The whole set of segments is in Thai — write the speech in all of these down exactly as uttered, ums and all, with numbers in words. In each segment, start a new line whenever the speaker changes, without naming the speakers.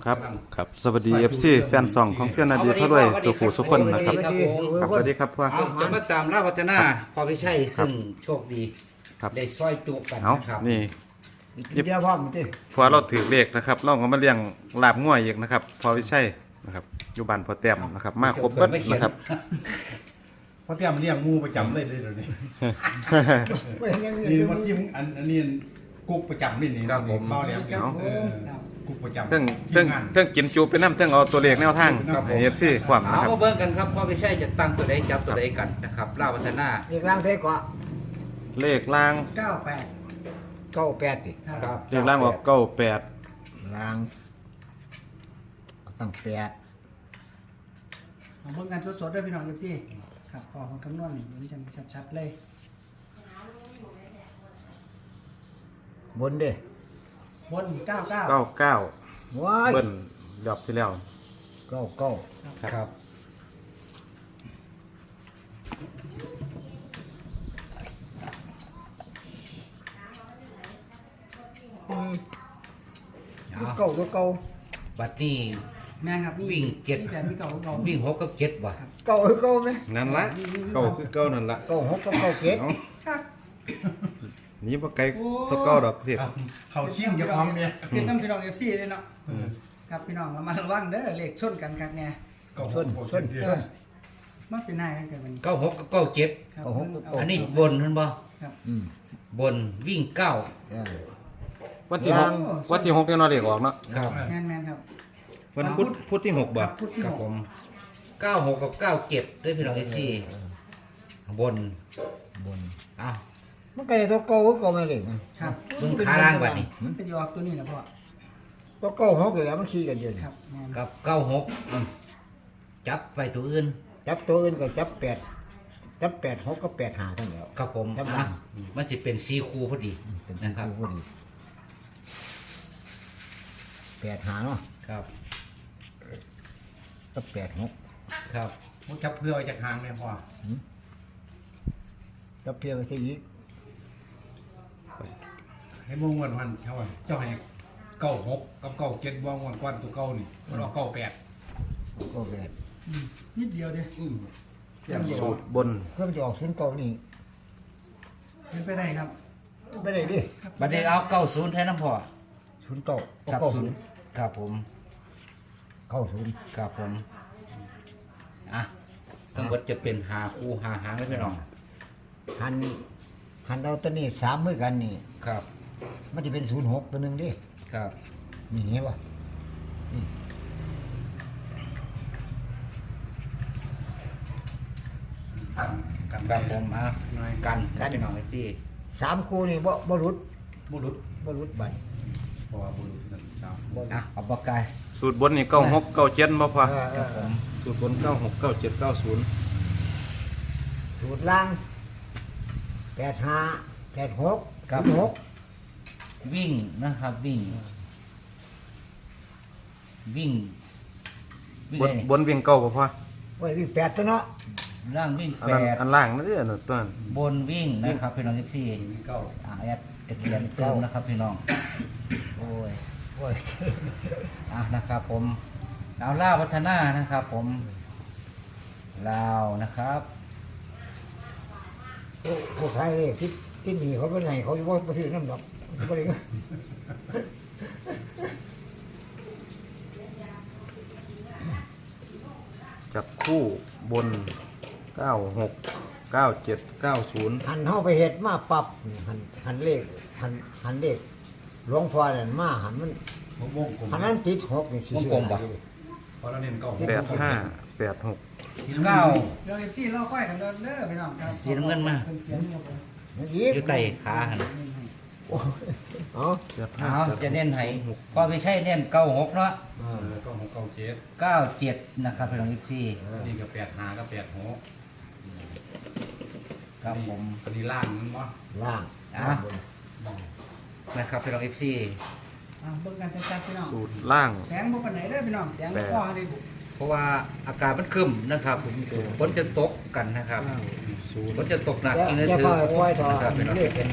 ครับครับสวัสดี เอฟ ซี แฟนซองของเสี้ยนนาดีเขาด้วยสุขุสุขคนนะครับครับสวัสดีครับพ่อ
เอาจะมาตามล่าพัฒนาพอพี่ชัยซึ่งโชคดี
ครับ
ได้ซอยจุกัน
เอา
นะครับ
นี่
เดี๋ยวพ่อมึงดิ
พอเราถือเลขนะครับเราก็มาเลี้ยงลาบง่วยอีกนะครับพอวิชัยนะครับอยู่บ้านพอแต้มนะครับมาครบเบิดนะครับ
เพราะเตรียมเลี้ยงงูประจำเลยเลยเดี๋ยวนี้
ไม่เห็นยัง
นี่มาที่อันอันนี้กุ๊กประจำนี่นี่เบาแหลมเออกุ๊กประจำ
เทิงเทิงเทิงกินจูไปน้ำเทิงเอาตัวเลขแนวทางให้ เอฟ ซี ความ
เอา
นะครับ
มาเบิ่งกันครับพอพี่ชัยจะตั้งตัวใดจับตัวใดกันนะครับล่าพัฒนา
เรียกร่างเท่กว่า
เลขล่าง
เก้าแปด
เก้าแปดดิ
ครับ
เลขล่างออกเก้าแปด
ร่างตั้งแปด
เอาเบิ่งกันสดๆด้วยพี่น้องเอฟซีครับพอคนคำนวณนี่เห็นจังชัดๆเลย
บนดิ
บนเก้าเก้า
เก้าเก้า
ว้าย
เบิ้ลรอบที่แล้ว
เก้าเก้า
ครับ
ตัวเก้าตัวเก้า
บัดนี้
แม่นครับ
วิ่งเจ็ด
วิ่งแปดวิ่งเก้าวิ่งเก้า
วิ่งหกกับเจ็ดบ่
เก้าคือเก้าไหม
นั่นละเก้าคือเก้านั่นละ
เก้าหกกับเก้าเจ็ด
เอา
ครับ
นี่บ่ไกลตัวเก้าดอกเพีย
เขาชิ่งจะพร้อมเนี่ย
เป็นน้ำพี่น้องเอฟซีเลยเนาะครับพี่น้องเรามาระวังเด้อเลขชนกันครับเนี่ย
ส้นส้นส้น
มันเป็นนายกันเกิดมัน
เก้าหกกับเก้าเจ็ด
ครับ
เก้าหกกับเก้า
อันนี้บนเห็นบ่
ครับ
อืม
บนวิ่งเก้า
เออ
วันที่หกวันที่หกเนี่ยนอนเลขออกเนาะ
ครับ
แม่นแม่นครับ
วันพุธพุธที่หกบ่
ครับพุทธที่
ครับ
หก
ผมเก้าหกกับเก้าเจ็ดด้วยพี่น้องเอฟซีบน
บน
อ้าว
มันก็เลยตัวเก้าคือเก้าไม่เลย
ครับ
เบิ่งขาล่างบัดนี้
มันเป็นยอดตัวนี้นะพ่อ
ตัวเก้าหกอยู่แล้วมันชี้กันเดียว
ครับแม่น
กับเก้าหกจับไปตัวอื่น
จับตัวอื่นก็จับแปดจับแปดหกก็แปดหาทั้งแล้ว
ครับผม
จับ
อ่ะมันจะเป็นซีคูพอดี
เป็น
นะ
นะ
ค
ค
รั
รั
บบ
พอดีแปดหาเนาะ
ครับ
ก็แปดหก
ครับ
ผมจับเพื่อจากหางเนี่ยพ่อ
จับเพียงไปซะอีก
ให้มุ่งวันวันเท่าไหร่เจ้าให้เก้าหกกับเก้าเจ็ดว่างวันก้อนตัวเก้านี่มันออกเก้าแปด
ก็แปด
อืมนิดเดียวเดียว
อืม
สูตรบน
เครื่องจะออกศูนย์เก้านี่
เป็นไปได้ครับ
ไม่ได้ดิ
บัดนี้เอาเก้าศูนย์แทนน้ำพอ
ศูนย์เก้า
ครับ
เก้า
ศู
ศู
น
น
ย์
ย์
ครับผม
เก้าศูนย์
ครับผมอ่ะทั้งหมดจะเป็นหาคูหาหางเลยพี่น้อง
หันหันเอาตัวนี้สามมือกันนี่
ครับ
มันจะเป็นศูนย์หกตัวหนึ่งดิ
ครับ
นี่เห็นป่ะ
กันกัน
ครับผมอ่ะ
น้อย
กันกันพี่น้องไอ้ที่
สามคู่นี่บ่บ่รุด
บุรุษ
บ่รุดบัตร
เพราะว่าบุรุษนั่นครับ
บ่รุ
อ่ะ
ด
เอาปากกา
สูตรบนนี่เก้าหกเก้าเจ็ดบ่พอ
เออเอ
ครับ
อ
ผม
สูตรบนเก้าหกเก้าเจ็ดเก้าศูนย์
สูตรล่างแปดห้าแปดหกศูนย์หก
วิ่งนะครับวิ่ง วิ่งวิ่ง
บน
ได้นี่
บนวิ่งเก้าบ่พอ
ไว้วิ่งแปดตัวเนาะ
ล่างวิ่ง
อัน
แป
นั้น
ด
อันล่างนั่นเด้อนั่นตัวนั้น
บนวิ่งนะครับพี่น้องที่
เก้า
อ่าแอดตะเกียนเติมนะครับพี่น้องโอ้ย
โอ้ย
อ่ะนะครับผมลาวล่าวัฒนานะครับ ผมลาวนะครับ
พวกพวกใครเลยที่ที่หนีเขาเป็นไงเขาจะว่าประถือน้ำดอกเขาบ่ได้เงิน
จับคู่บนเก้าหกเก้าเจ็ดเก้าศูนย์
หันเข้าไปเห็ดมาปรับนี่หันหันเลขหันหันเลขหลวงพ่อเนี่ยมาหันมัน
ผมวงกลม
หันนั้นติดหกนี่สิ
วงกลมปะ
เพราะเราเน้นเก้า
แปดห้าแปดหก
เก้า
เดี๋ยวเอฟซีเล่าค่อยกันเด้อเด้อพี่น้องครับ
สีน้ำเงินมา
เพิ่นเขียนอยู่ครับ
มันอีก
อยู่ใต้ขาหัน
โอ้ยเอ๋อ
แปดห้า
เอาจะเน้นให้ก็ไม่ใช่เน้นเก้าหกเนาะ
เออเก้าหกเก้าเจ็ด
เก้าเจ็ดนะครับพี่น้องที่
นี่ก็แปดหาก็แปดหก
ครับผม
ปฏิล่างนั่นมั้ง
ล่าง
อ่ะ นะครับพี่น้องที่
อ่าเบิ่งกันชัดๆพี่น้อง
สูตรล่าง
แสงบ่ปานไหนเด้อพี่น้องแสงบ่พอเลย
เพราะว่าอากาศมันครึ้มนะครับฝนจะตกกันนะครับ
ศูนย์
ฝนจะตกหนัก
อย่า
จริงนะ
อย่า
ถือ
ปล่อยปล่อยต่อ
นะครับพี่น้อง
เลขเป็น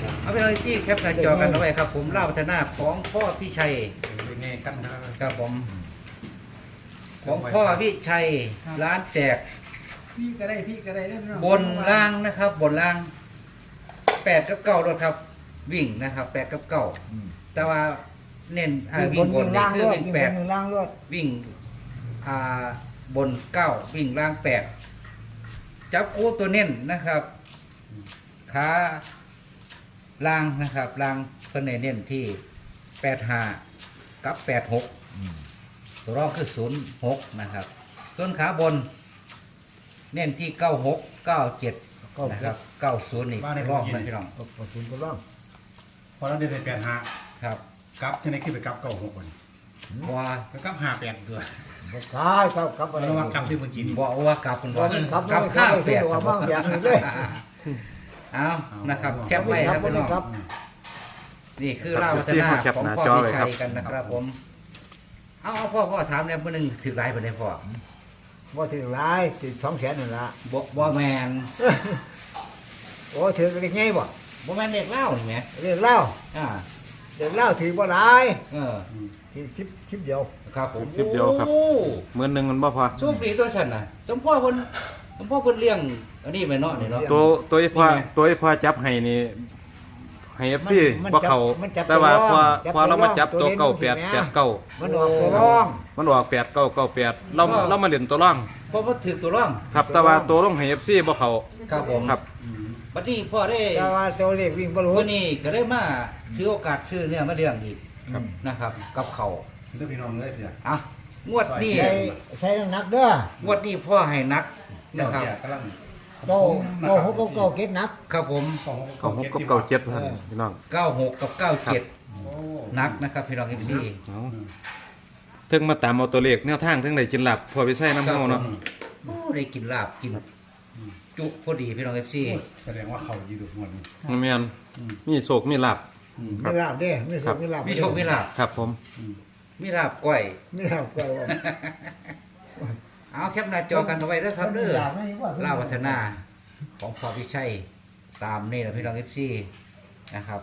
เอาไปเลยที่แคปหน้าจอกันเอาไว้ครับ ผมเล่าพัฒนาของพ่อพี่ชัย
เป็นไงกันนะครับ
ครับผม ของพ่อพี่ชัยร้านแตก
พี่ก็ได้พี่ก็ได้ได้พี่น้อง
บนล่างนะครับ บนล่างแปดกับเก้ารถครับ วิ่งนะครับแปดกับเก้าแต่ว่าเน้นอ่าวิ่งบนนี่
ล่าง
คื
ร
อ
วด
วิ่ง
วิ่ง
แป
บ
ด
นวิ่งล่างรวด
วิ่งอ่าบนเก้าวิ่งล่างแปดจับคู่ตัวเน้นนะครับขาล่างนะครับล่างเพิ่นเน้นที่แปดห้ากับแปดหกตัวรองคือศูนย์หกนะครับส่วนขาบน เน้นที่เก้าหกเก้าเจ็ดนะครับเก้าศูนย์นี่รองนะพี่น้อง
ก็ก็ศูนย์ก็ร่อง
พอเราได้ไปแปดห้า
ครับ
กลับที่ไหนขึ้นไปกลับเก้าหกวัน
ว่า
ไปกลับห้าแปดเดือน
บ่ขายครับครับอะไร
เราว่ากลับที่เมื่อกี้นี่
บ่ว่ากลับคุณบ่
ครับ
กลับ
ครั
ห้า
บ
แปด
ว่าบ้างอย่างนี้เลย
เอานะครับแคปไว้ครับพี่น้อง
ครับ
นี่คือเล่าวัฒนาของพ่อวิชัยกันนะครับผมเอาเอาพ่อพ่อถามเนี่ยมื้อนึงถือหลายปานใดพ่อ
ว่าถึงหลายสิสองแสนนั่นละ
บ่บ่แม่น
โอ้ถือเล็กไงบ่
บ่แม่นเด็กเล่านี่แหม
เรียกเล่า
อ่า
เรียกเล่าถือบ่หลาย
เออ
ถือชิปชิปเดียว
ครับผม
สิบเดียวครับ
โอ้
มื้อหนึงมันบ่พอ
โชคดีตัวฉันน่ะสมพ่อเพิ่นสมพ่อเพิ่นเลี้ยงอันนี้ไปเนาะนี่เนาะ
ตัวตัวอีพอ
นี่ไง
ตัวอีพอจับให้นี่ให้ เอฟ ซี
มัน
บ่เข้า
มันจับ
แต่ว่า
ตัว
พอ
จับ
พอเรามาจับ
ตั
ตัว ว
เล่น
เก้า
สิ
แปด
แม่
แปดเก้า
มันออกตัวร่อง
มันออกแปดเก้าเก้าแปดเราเรามาเล่นตัวร่อง
เพราะว่าถือตัวร่อง
ครับแต่ว่าตัวลงให้ เอฟ ซี บ่เข้า
ครับผม
ครับ
บัดนี้พ่อได้
แต่ว่าตัวเลขวิ่งบ่รู้
มื้อนี้ก็ได้มาถือโอกาสซื้อเนี่ยมาเลี้ยงอีกนะครับ กับเขาว
เรื่องพี่น้องเลยเสีย
อ่ะงวดนี้
ใส่ใส่น้ำหนักเด้อง
วดนี้พ่อให้นัก
เจ้า
นะครับ
เสียกำลัง
เก้าเก้าหกเก้าเก้าเก็ดหนัก
ครับผม
ของ
ของหกกับเก้าเจ็ดท่านพี่น้อง
เก้าหกกับเก้าเจ็ด
โอ้
นักนะครับพี่น้องเอฟซี
เอาถึงมาตามเอาตัวเลขแนวทางถึงได้กินหลับพอไปใช้น้ำเฮาเนาะ
โอ้ได้กินลาบกินจุพอดีพี่น้องเอฟซี
แสดงว่าเขาอยู่ดูหมดนี่
มันแม่นมีโศกมีลาบ
ไม่ลาบเด้ไม่โชคไม่ลาบ
มีโชคมีลาบ
ครับผม
มีลาบก้อย
ไม่ลาบก็ว่า
เอาแคปหน้าจอกันเอาไว้เด้อครับเด้อ
ลาบไม่ว่า
ล่าวัฒนาของพอพิชัยตามนี่แหละพี่น้องเอฟซีนะครับ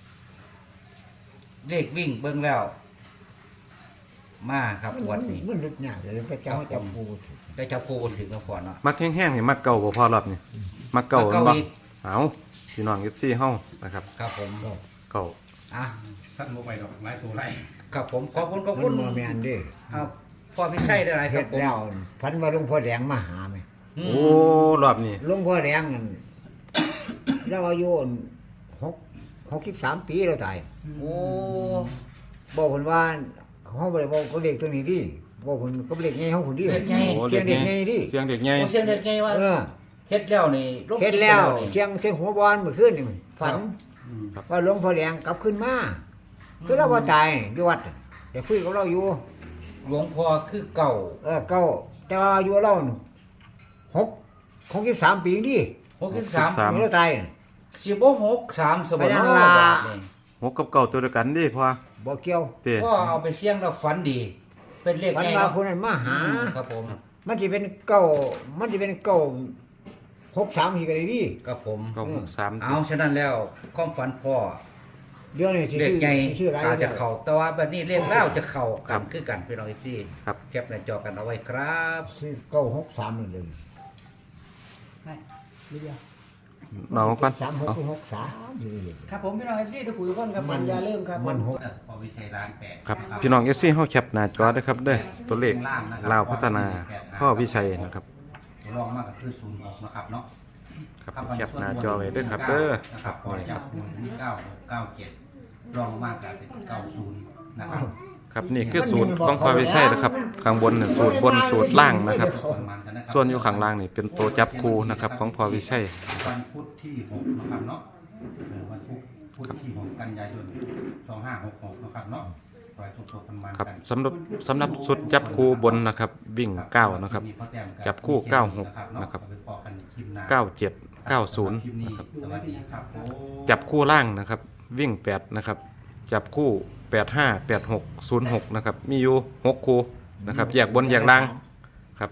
เลขวิ่งเบิ้งแล้ว มาครับงวันนี้
มันลึกหนาเลยพระเจ้าจับปู
ได้จับคู่ถึงแล้วก่อนเนาะ
มักแห้งๆนี่มักเก่าบ่พอรอบนี่มักเก่า
มักเก่า
บ่
อีก
เอาพี่น้อง เอฟ ซี เฮานะครับ
ครับผม
เก่า
อ่ะ
สั้นโมไปดอกไม้ตัวไร
ครับผมขอบคุณขอบ
มั
คุ
น
ณ
มาแมนเด้
เอาพอพิชัยได้ไรค
เฮ็
รับ
ด
ผม
แล้วพันว่าหลวงพ่อแดงมาหาไหม
อืม
โอ้รอบนี้
หลวงพ่อแดงนั่นเราอายุหกหกสิบสามปีเราตาย
โอ้
บอกคนว่าเขาบอกบอกเขาเด็กตัวนี้ดิบอกคนเขาเด็กไงเขาคนดิ
เด็กไง
โอ้
เสียงเด็กไงดิ
เสียงเด็กใหญ่
โอ้เสียงเด็กไงว่า
เออ
เฮ็ดแล้วนี่ลง
เฮ็ดแล้ว
นี่
เสียงเสียงหัวบอลเมื่อคืนนี่ฝันว่าหลวงพ่อแดงกลับขึ้นมาคือเราว่าตายอยู่วัดเดี๋ยวคุยกับเราอยู่
หลวงพ่อคือเก่า
เออเก้าแต่ว่าอายุเราน่ะหกหกสิบสามปีดิ
หกสิบสาม
สาม
เราตาย
สิบหกสามสมบัติ
ไปยัง
บ
ล่ะ
าทนี่
หกกับเก่าตัวเดียวกันดิพอ
บ่เกี่ยว
เต้
ก็เอาไปเสี่ยงแล้วฝันดี เป็นเลข
ฝัน
ไง
ว่า
เนาะ
คนนั้นมาหา
ครับผม
มันจะเป็นเก้ามันจะเป็นเก้าหกสามทีกันเลยดิ
ครับผม
เก่าหกสาม
เอาฉะนั้นแล้วความฝันพ่อ
เดี๋ยวนี้สิ
เลข
ชื่อ
ไง
สิชื่ออะไร
อาจจะ
เนี่ย
เข่าแต่ว่าแบบนี้เลขเล่าจะเข่ากันคือกันพี่น้องอีซี่
ครับ
แคปหน้าจอกันเอาไว้ครับ
ชื่อเก้าหกสามนั่นเลย
ให้นิดเดียว
เอาก่อน
สามหก
เอา
หกสามอยู่เลย
ครับผมพี่น้องเอฟซีทุกคนทุกคนครับมันอยาเริ่มครับ
มันหก
พอวิชัยร้านแตก
ครับพี่น้อง เอฟ ซี เฮาแคปหน้าจอเด้อครับเด้อตัวเลขลาวพัฒนาพ่อวิชัยนะครับ
ตัวรองมากก็คือศูนย์หกนะครับเนาะ
ครับแคปหน้าจอไว้เด้อครับเด้อ
นะ
ค
ค
รั
รั
บบ
พอจับหนึ่งมีเก้าหกเก้าเจ็ดรองมากก็เป็นเก้าศูนย์นะครับ
ครับนี่คือสูตรของพ่อวิชัยนะครับข้างบนน่ะสูตรบนสูตรล่างนะครับ
มันกันนะครับ
ส่วนอยู่ข้างล่างนี่เป็นตัวจับคู่นะครับของพ่อวิชัย
วันพุธที่หกนะครับเนาะเออวันพุธพุธที่หกกันยายนสองห้าหกหกนะครับเนาะปล่อยสดๆกันมัน
ครับ
กัน
สำหรับสำหรับสุดจับคู่บนนะครับ วิ่งเก้านะครับ จับคู่เก้าหกนะครับเก้าเจ็ดเก้าศูนย์นะครับ
สวัสดีครับผม
จับคู่ล่างนะครับ วิ่งแปดนะครับ จับคู่แปดห้าแปดหกศูนย์หกนะครับ มีอยู่หกคู่นะครับแยกบนแยกล่างครับ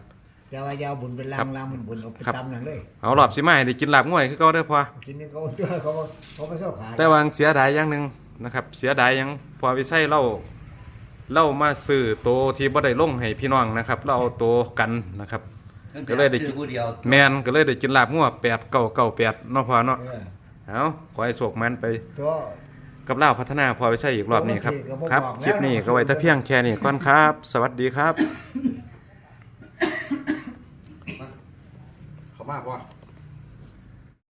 แต่ว่าอยาวบุญเป็นลา
ครั
ง
บ
ลางมันบุญเอาไป
ครับ
ตำนั่นเลย
เอารอบสิมาให้ได้กินลาบง่วยคือเก่าเด้อพ่อ
ทีนี้เขาตัวเขาเขาไม่ชอบขาย
แต่ว่าเสียดายอย่างหนึงนะครับ เสียดายหยังพอวิชัยเล่าเล่ามาซื้อโตวที่บ่ได้ลงให้พี่น้องนะครับเราเอาโตวกันนะครับ ก็เลยได้
ซื้อผู้เดียว
แมนก็เลยได้กินลาบงัวแปดเก้าเก้าแปดเนาะพ่อเนาะ
เออ
เอาขอให้โชคมันไป
ตัว
กับเล่าวพัฒนาพอไปใช่อีกรอบนี้ครับ
ก็บ่
ครับ
บอกแล้ว
คลิปนี้ก็ไว้แต่เพียงแค่นี้ก่อนครับ สวัสดีครับ
เขามากว่า